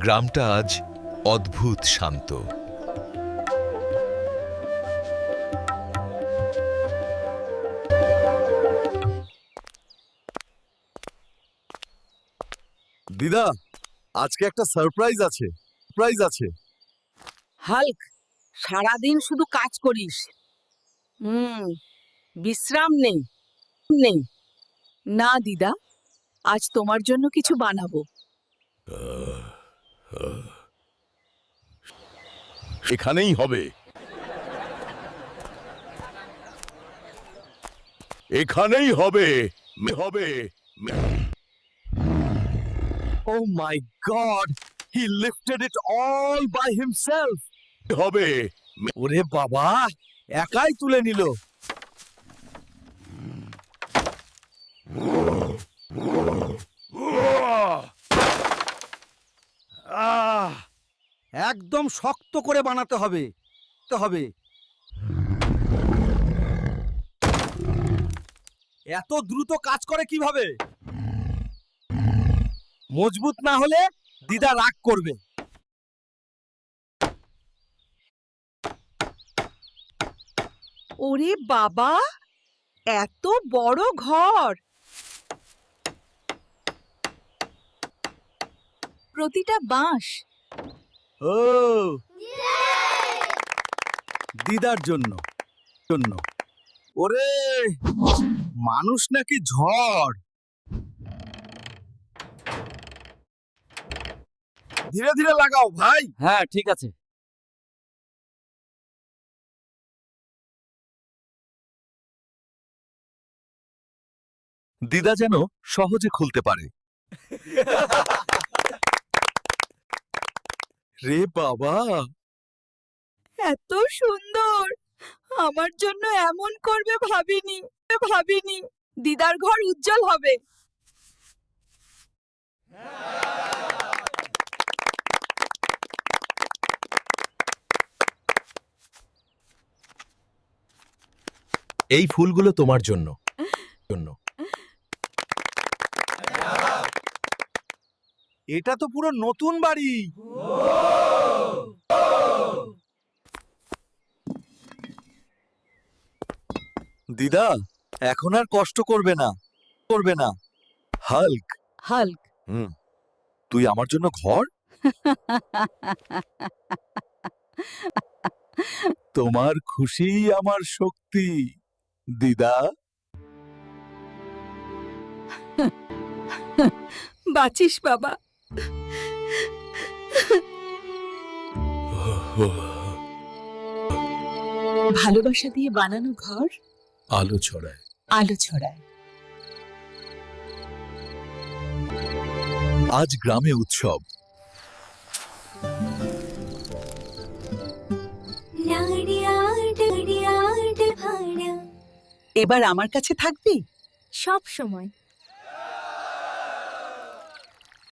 গ্রামটা আজ অদ্ভুত শান্ত। দিদা, আজকে একটা সারপ্রাইজ আছে। হাল্ক, সারাদিন শুধু কাজ করিস। বিশ্রাম নেই নেই। না দিদা, আজ তোমার জন্য কিছু বানাবো। এখানেই হবে, এখানেই হবে। Oh my God! He lifted it all by himself. হবে। ওরে বাবা, একাই তুলে নিল। একদম শক্ত করে বানাতে হবে। এত দ্রুত কাজ করে কিভাবে? মজবুত না হলে দিদা রাগ করবে। ওরে বাবা, এত বড় ঘর! প্রতিটা বাঁশ। ও, দিদার জন্য। ওরে, মানুষ নাকি ঝড়! ধীরে ধীরে লাগাও ভাই। হ্যাঁ, ঠিক আছে। দিদা যেন সহজে খুলতে পারে। রে বাবা, এত সুন্দর! আমার জন্য এমন করবে ভাবিনি। দিদার ঘর উজ্জ্বল হবে। এই ফুলগুলো তোমার জন্য। এটা তো পুরো নতুন বাড়ি। দিদা, এখন আর কষ্ট করবে না। হাল্ক, হাল্ক, তুই আমার জন্য ঘর? তোমার খুশি আমার শক্তি, দিদা। বাঁচিস বাবা। ভালোবাসা দিয়ে বানানো ঘর আলো ছড়ায়। আলো ছড়ায়। আজ গ্রামে উৎসব। এবার আমার কাছে থাকবি সব সময়।